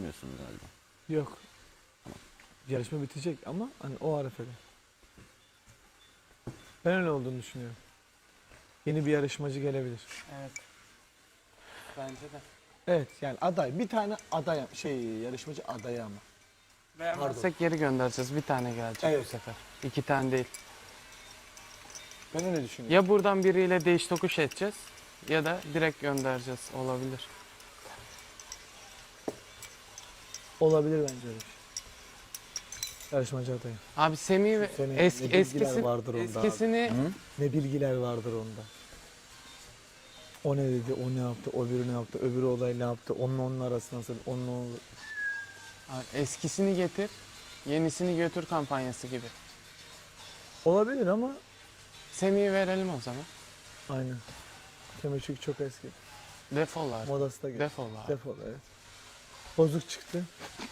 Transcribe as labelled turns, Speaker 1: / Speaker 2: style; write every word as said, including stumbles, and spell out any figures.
Speaker 1: düşünmüyorsunuz galiba.
Speaker 2: Yok. Yarışma bitecek ama hani o arefede. Ben öyle olduğunu düşünüyorum. Yeni bir yarışmacı gelebilir.
Speaker 3: Evet. Bence de.
Speaker 2: Evet yani aday. Bir tane aday şey yarışmacı adayı ama.
Speaker 3: Beğenmezsek geri göndereceğiz. Bir tane gelecek
Speaker 2: Evet.
Speaker 3: bu sefer. İki tane değil.
Speaker 2: Ben öyle düşünüyorum.
Speaker 3: Ya buradan biriyle değiş tokuş edeceğiz ya da direkt göndereceğiz. Olabilir.
Speaker 2: Olabilir bence öyle bir şey. Yarışmacı adayı.
Speaker 3: Abi Semih ve
Speaker 2: Senin
Speaker 3: eski,
Speaker 2: ne bilgiler
Speaker 3: eskisi,
Speaker 2: vardır onda abi.
Speaker 3: eskisini
Speaker 2: Ne bilgiler vardır onda. O ne dedi, o ne yaptı, o öbürü ne yaptı, öbürü olay ne yaptı, onun onun arasında nasıl, onun onun...
Speaker 3: abi eskisini getir, yenisini götür kampanyası gibi.
Speaker 2: Olabilir ama
Speaker 3: Semih'i verelim o zaman.
Speaker 2: aynen. Semih çünkü çok eski.
Speaker 3: Defol abi.
Speaker 2: Modası da geçti.
Speaker 3: Defol abi.
Speaker 2: Defol evet. Bozuk çıktı.